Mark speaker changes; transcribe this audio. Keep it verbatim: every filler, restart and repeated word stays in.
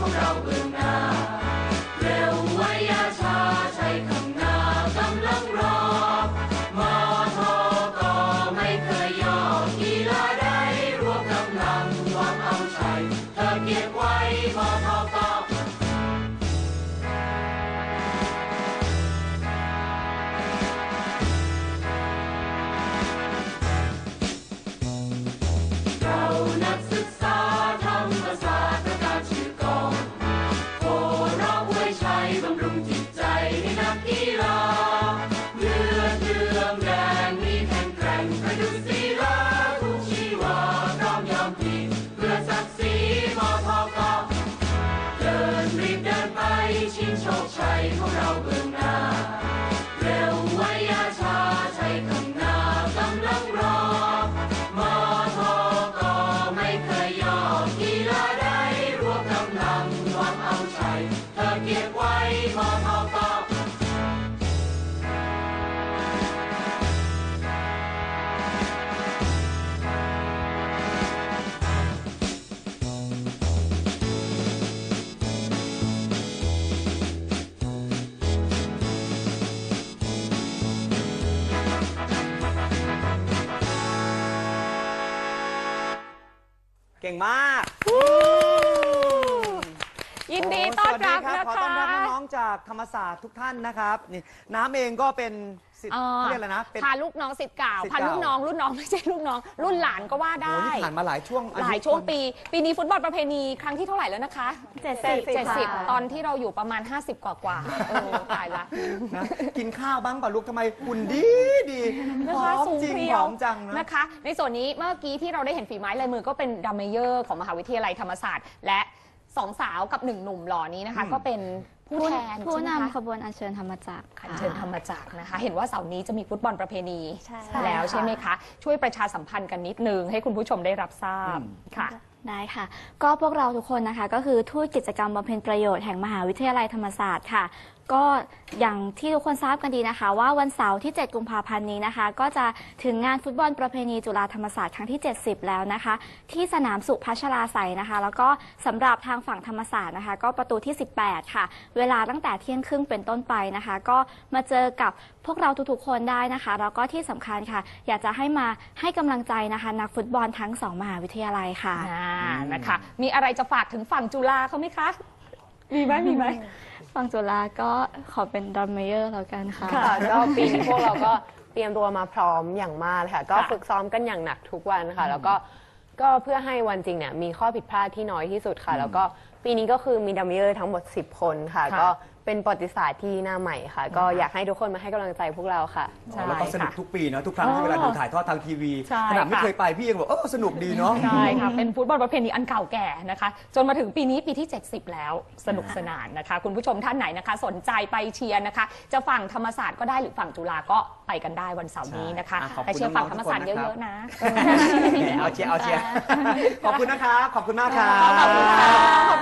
Speaker 1: ของเราเบื้องหน้าเร็วไว้อย่าช้าใช้ข้างหน้ากำลังรอมอทอก็ไม่เคยย่อกีฬาใดรวมกำลังหวังเอาชัยเธอเก็บไว้มอทอก็นักศึกษาธรรมศาสตร์ประกาศชื่อกองโหร้องอวยชัยบำรุงจิตใจให้นักกีฬาเลือดเลื่อมแรงมีแข็งแกร่งประดุจศิลาทุกชีวาพร้อมยอมพลีเพื่อศักดิ์ศรีมอทอกอเดินรีบเดินไปชิงโชคชัยของเราเบื้องหน้าเร็วไว้อย่าช้าใช้ข้างหน้ากำลังรอมอทอกีฬาใดรวมกำลังหวังเอาชัยเธอเก็บไว้มอทอกอ
Speaker 2: เก่งมาก
Speaker 3: ยินดีต้อนรับนะคะ
Speaker 2: ขอต้อนรับน้องๆจากธรรมศาสตร์ทุกท่านนะครับนี่น้ำเองก็เป็นศิษย์เรียกอะไรนะ
Speaker 3: พาลูกน้องศิษย์เก่าพาลูกน้องรุ่นน้องไม่ใช่ลูกน้องรุ่นหลานก็ว่าได้
Speaker 2: ผ่านมาหลายช่วง
Speaker 3: หลายช่วงปีปีนี้ฟุตบอลประเพณีครั้งที่เท่าไหร่แล้วนะคะ
Speaker 4: เจ็ดสิบ
Speaker 3: เจ็ดสิบตอนที่เราอยู่ประมาณห้าสิบกว่ากว่าเออตายละ
Speaker 2: นะกินข้าวบ้างป่ะลูกทำไมหุ่นดีดี
Speaker 3: นะคะสูง
Speaker 2: จริง
Speaker 3: เพี
Speaker 2: ห
Speaker 3: ยว
Speaker 2: อมจัง
Speaker 3: นะคะในส่วนนี้เมื่อกี้ที่เราได้เห็นฝีไม้ลายมือก็เป็นดัมเมเยอร์ของมหาวิทยาลัยธรรมศาสตร์และสองสาวกับหนึ่งหนุ่มหล่อนี้นะคะก็เป็นผู้แทน
Speaker 4: ผู้นำขบวนอัญเชิญธรรมจักร
Speaker 3: อัญเชิญธรรมจักรนะคะเห็นว่าเสาร์นี้จะมีฟุตบอลประเพณีแล้วใช่ไหมคะช่วยประชาสัมพันธ์กันนิดนึงให้คุณผู้ชมได้รับทราบค่ะ
Speaker 4: ได้ค่ะก็พวกเราทุกคนนะคะก็คือทูตกิจกรรมบำเพ็ญประโยชน์แห่งมหาวิทยาลัยธรรมศาสตร์ค่ะก็อย่างที่ทุกคนทราบกันดีนะคะว่าวันเสาร์ที่เจ็ดกุมภาพันธ์นี้นะคะก็จะถึงงานฟุตบอลประเพณีจุฬาธรรมศาสตร์ครั้งที่เจ็ดสิบแล้วนะคะที่สนามสุพัชราไสยนะคะแล้วก็สำหรับทางฝั่งธรรมศาสตร์นะคะก็ประตูที่สิบแปดค่ะเวลาตั้งแต่เที่ยงครึ่งเป็นต้นไปนะคะก็มาเจอกับพวกเราทุกๆคนได้นะคะแล้วก็ที่สำคัญค่ะอยากจะให้มาให้กำลังใจนะคะนักฟุตบอลทั้งสองมหาวิทยาลัยค่ะ
Speaker 3: นะคะมีอะไรจะฝากถึงฝั่งจุฬาเขาไหมคะมีไหมมีไหม
Speaker 4: ฝั่งจุฬาก็ขอเป็นดัมเมเยอร์แล้วกันค่ะ
Speaker 5: ค่ะก็ปีนี้พวกเราก็เตรียมตัวมาพร้อมอย่างมากค่ะก็ฝึกซ้อมกันอย่างหนักทุกวันค่ะแล้วก็ก็เพื่อให้วันจริงเนี่ยมีข้อผิดพลาดที่น้อยที่สุดค่ะแล้วก็ปีนี้ก็คือมีดัมเมเยอร์ทั้งหมดสิบคนค่ะก็เป็นประวัติศาสตร์ที่หน้าใหม่ค่ะก็อยากให้ทุกคนมาให้กำลังใจพวกเราค่ะ
Speaker 2: แล้วก็สนุกทุกปีนะทุกครั้งที่เวลาดูถ่ายทอดทางทีวีขนาดไม่เคยไปพี่ยังบอกเออสนุกดีเนาะ
Speaker 3: ใช่ค่ะเป็นฟุตบอลประเพณีอันเก่าแก่นะคะจนมาถึงปีนี้ปีที่เจ็ดสิบแล้วสนุกสนานนะคะคุณผู้ชมท่านไหนนะคะสนใจไปเชียร์นะคะจะฝั่งธรรมศาสตร์ก็ได้หรือฝั่งจุฬาก็ไปกันได้วันเสาร์นี้นะคะไปเชียร์ฝั่งธรรมศาสตร์เยอะๆนะ
Speaker 2: เอาเชียร์เอาเชียร์ขอบคุณนะครับขอบคุณมากครับ
Speaker 3: ขอบคุณค่ะ